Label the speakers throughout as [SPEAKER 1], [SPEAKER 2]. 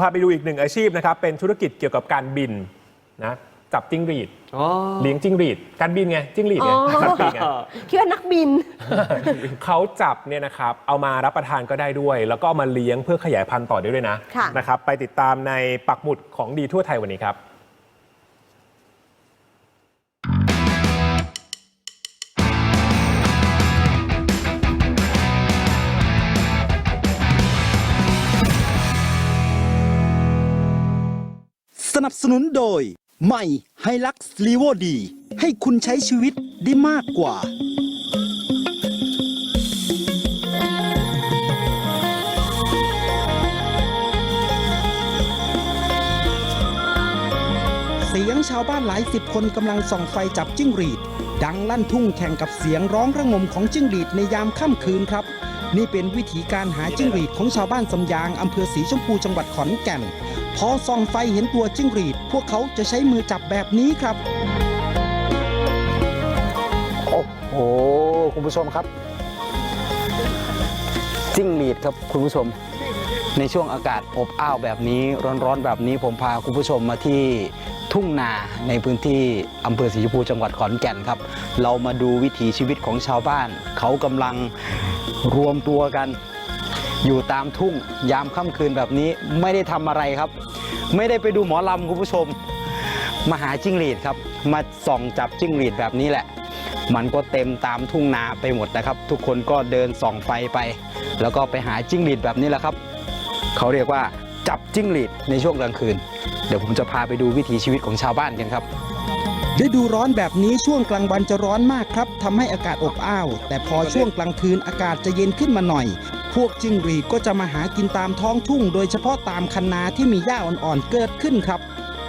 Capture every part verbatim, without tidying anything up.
[SPEAKER 1] พาไปดูอีกหนึ่งอาชีพนะครับเป็นธุรกิจเกี่ยวกับการบินนะจับจิ้งหรีดเลี้ยงจิ้งหรีดการบินไงจิ้งหรีดไงสัตว์ปีกไง
[SPEAKER 2] คิดว่านักบิน
[SPEAKER 1] เขาจับเนี่ยนะครับเอามารับประทานก็ได้ด้วยแล้วก็เอามาเลี้ยงเพื่อขยายพันธุ์ต่อได้ด้วยนะนะครับไปติดตามในปักหมุดของดีทั่วไทยวันนี้ครับ
[SPEAKER 3] สนับสนุนโดยใหม่ไฮลักซ์ลีโวดีให้คุณใช้ชีวิตได้มากกว่าเสียงชาวบ้านหลายสิบคนกำลังส่องไฟจับจิ้งหรีดดังลั่นทุ่งแข่งกับเสียงร้องระงมของจิ้งหรีดในยามค่ำคืนครับนี่เป็นวิธีการหาจิ้งหรีดของชาวบ้านสำยางอำเภอศรีชมพูจังหวัดขอนแก่นพอส่องไฟเห็นตัวจิ้งหรีดพวกเขาจะใช้มือจับแบบนี้ครับ
[SPEAKER 4] โอ้โหคุณผู้ชมครับจิ้งหรีดครับคุณผู้ชมในช่วงอากาศอบอ้าวแบบนี้ร้อนๆแบบนี้ผมพาคุณผู้ชมมาที่ทุ่งนาในพื้นที่อำเภอศรีชมพูจังหวัดขอนแก่นครับเรามาดูวิถีชีวิตของชาวบ้านเขากำลังรวมตัวกันอยู่ตามทุ่งยามค่ำคืนแบบนี้ไม่ได้ทำอะไรครับไม่ได้ไปดูหมอลำคุณผู้ชมมาหาจิ้งหรีดครับมาส่องจับจิ้งหรีดแบบนี้แหละมันก็เต็มตามทุ่งนาไปหมดนะครับทุกคนก็เดินส่องไฟไปแล้วก็ไปหาจิ้งหรีดแบบนี้แหละครับเขาเรียกว่าจับจิ้งหรีดในช่วงกลางคืนเดี๋ยวผมจะพาไปดูวิถีชีวิตของชาวบ้านกันครับ
[SPEAKER 3] ฤดูร้อนแบบนี้ช่วงกลางวันจะร้อนมากครับทำให้อากาศอบอ้าวแต่พอช่วงกลางคืนอากาศจะเย็นขึ้นมาหน่อยพวกจิ้งหรีดก็จะมาหากินตามท้องทุ่งโดยเฉพาะตามคันนาที่มีหญ้าอ่อนๆเกิดขึ้นครับ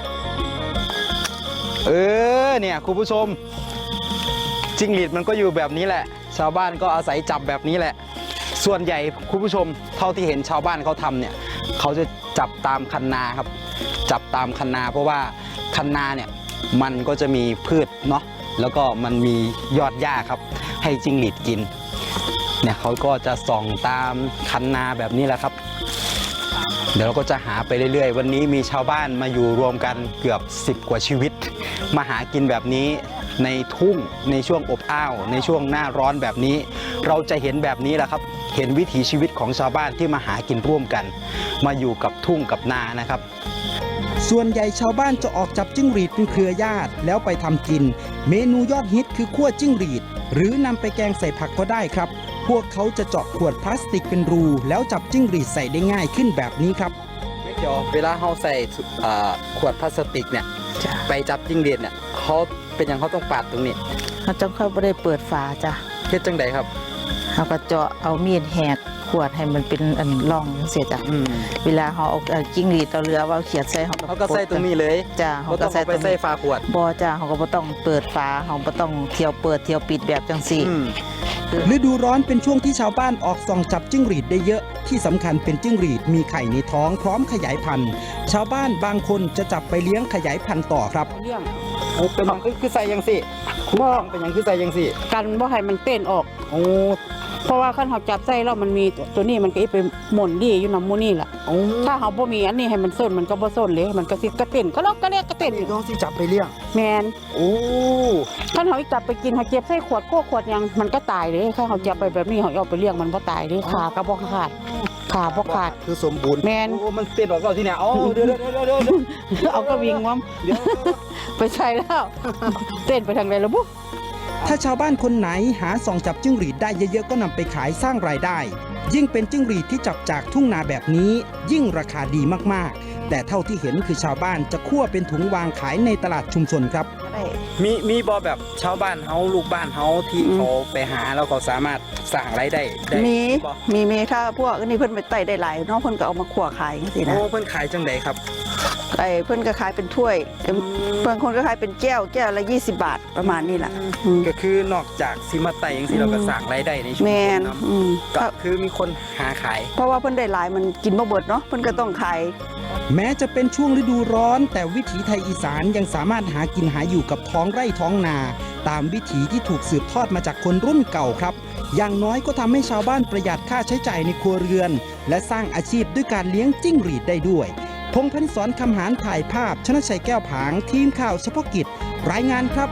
[SPEAKER 4] เออเนี่ยคุณผู้ชมจิ้งหรีดมันก็อยู่แบบนี้แหละชาวบ้านก็อาศัยจับแบบนี้แหละส่วนใหญ่คุณผู้ชมเท่าที่เห็นชาวบ้านเขาทำเนี่ยเขาจะจับตามคันนาครับจับตามคันนาเพราะว่าคันนาเนี่ยมันก็จะมีพืชเนาะแล้วก็มันมียอดหญ้าครับให้จิ้งหรีดกินเนี่ยเขาก็จะส่องตามคันนาแบบนี้แหละครับเดี๋ยวเราก็จะหาไปเรื่อยๆวันนี้มีชาวบ้านมาอยู่รวมกันเกือบสิบกว่าชีวิตมาหากินแบบนี้ในทุ่งในช่วงอบอ้าวในช่วงหน้าร้อนแบบนี้เราจะเห็นแบบนี้แหละครับเห็นวิถีชีวิตของชาวบ้านที่มาหากินร่วมกันมาอยู่กับทุ่งกับนานะครับ
[SPEAKER 3] ส่วนใหญ่ชาวบ้านจะออกจับจิ้งหรีดเป็นเครือญาติแล้วไปทำกินเมนูยอดฮิตคือคั่วจิ้งหรีดหรือนำไปแกงใส่ผักก็ได้ครับพวกเขาจะเจาะขวดพลาสติกเป็นรูแล้วจับจิ้งหรีดใส่ได้ง่ายขึ้นแบบนี้ครับ
[SPEAKER 4] ไม่เกี่ยวเวลาเขาใส่ขวดพลาสติกเนี่ยไปจับจิ้งหรีดเนี่ยเขาเป็นอย่างเขาต้องปาดตรงนี้
[SPEAKER 2] เขาจะเขาไม่ได้เปิดฝาจ้ะ
[SPEAKER 4] เฮ็ดจังใดครับ
[SPEAKER 2] เขาก็เจาะเอามีดแหกขวดให้มันเป็นอันร่องเสียจ้ะเวลาเขาเอาจิ้งหรีดเอาเรือว่าเขียดใส่เขา
[SPEAKER 4] เขาก็ใส่ตรงนี้เลย
[SPEAKER 2] จ้ะเขาก็ใส่
[SPEAKER 4] ไปใส่ฝาขวด
[SPEAKER 2] บ่จ้ะเขาก็ไม่ต้องเปิดฝาเขาไม่ต้องเที่ยวเปิดเที่ยวปิดแบบจังสี่
[SPEAKER 3] ฤดูร้อนเป็นช่วงที่ชาวบ้านออกส่องจับจิ้งหรีดได้เยอะที่สำคัญเป็นจิ้งหรีดมีไข่ในท้องพร้อมขยายพันธุ์ชาวบ้านบางคนจะจับไปเลี้ยงขยายพันธุ์ต่อครับ
[SPEAKER 4] เลี้ยงเป็นยังคือใส่ยังสิบ่เป็นยังคือใส่ยังสิ
[SPEAKER 5] กันบ่ให้มันเต้นออก
[SPEAKER 4] โอ้
[SPEAKER 5] เพราะว่าขั้นเขาจับใส่แล้วมันมีตัวนี้มันก็ไปหม่นดีอยู่น้ำมูนี่แหละถ้าเขาบ่มีอันนี้ให้มันส้นมันก็บ่ส้นเลยมันก็สิกระเต้นก็ลอกก็เรียกกระเต้น
[SPEAKER 4] นี่ต้องสิจับไปเลี้ยง
[SPEAKER 5] แมน
[SPEAKER 4] โอ้
[SPEAKER 5] ขั้นเขาจับไปกินเขาเจ็บใส่ขวดโคขวดยังมันก็ตายเลยถ้าเขาจับไปแบบนี้เขาเอาไปเลี้ยงมันบ่ตายเลยขาก็บ่ขาดขาบ่ขาด
[SPEAKER 4] คือสมบูรณ์
[SPEAKER 5] แมน
[SPEAKER 4] โอ้มันเต้นออกแล้วที่เนี่ยอ๋อเดี๋ยวเดี๋ยวเดี๋ยว
[SPEAKER 5] เอากระวิงมั้งไปใส่แล้วเต้นไปทางไหนล่ะบุ๊
[SPEAKER 3] ถ้าชาวบ้านคนไหนหาส่องจับจิ้งหรีดได้เยอะๆก็นำไปขายสร้างรายได้ยิ่งเป็นจิ้งหรีดที่จับจากทุ่งนาแบบนี้ยิ่งราคาดีมากๆแต่เท่าที่เห็นคือชาวบ้านจะคั่วเป็นถุงวางขายในตลาดชุมชนครับ
[SPEAKER 4] มีมีบอแบบชาวบ้านเฮาลูกบ้านเฮาที่เขาไปหาแล้วเขาสามารถสร้างรายได้
[SPEAKER 5] มีมีมีถ้าพวกนี้เพิ่นไปไต่ได้หลายน้องเพิ่นก็เอามาคั่วขายสินะ
[SPEAKER 4] โอ้เพิ่นขายจังไดครับ
[SPEAKER 5] ไอ้เพิ่นก็ขายเป็นถ้วยบางคนก็ขายเป็นแก้วแก้วละยี่สิบบาทประมาณนี้แหละ
[SPEAKER 4] ก็คือนอกจากซิมาไต่ยังสิเราก็สร้างรายได้ในชุมชนเนาะก็คือมีคนหาขาย
[SPEAKER 5] เพราะว่าเพิ่นได้หลายมันกินบ่เบิดเนาะเพิ่นก็ต้องขาย
[SPEAKER 3] แม้จะเป็นช่วงฤดูร้อนแต่วิถีไทยอีสานยังสามารถหากินหาอยู่กับท้องไร่ท้องนาตามวิถีที่ถูกสืบทอดมาจากคนรุ่นเก่าครับอย่างน้อยก็ทำให้ชาวบ้านประหยัดค่าใช้จ่ายในครัวเรือนและสร้างอาชีพด้วยการเลี้ยงจิ้งหรีดได้ด้วยแพงษ์พันศรคำหารถ่ายภาพชนะชัยแก้วผางทีมข่าวเฉพาะกิจรายงานครับ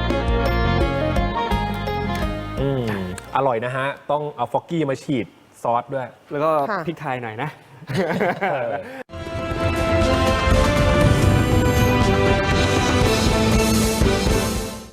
[SPEAKER 1] อืมอร่อยนะฮะ ต้องเอาฟอกกี้มาฉีดซอสด้วย
[SPEAKER 6] แล้วก็
[SPEAKER 7] ค่ะ
[SPEAKER 6] พริกไทยหน่อยนะ
[SPEAKER 1] เออ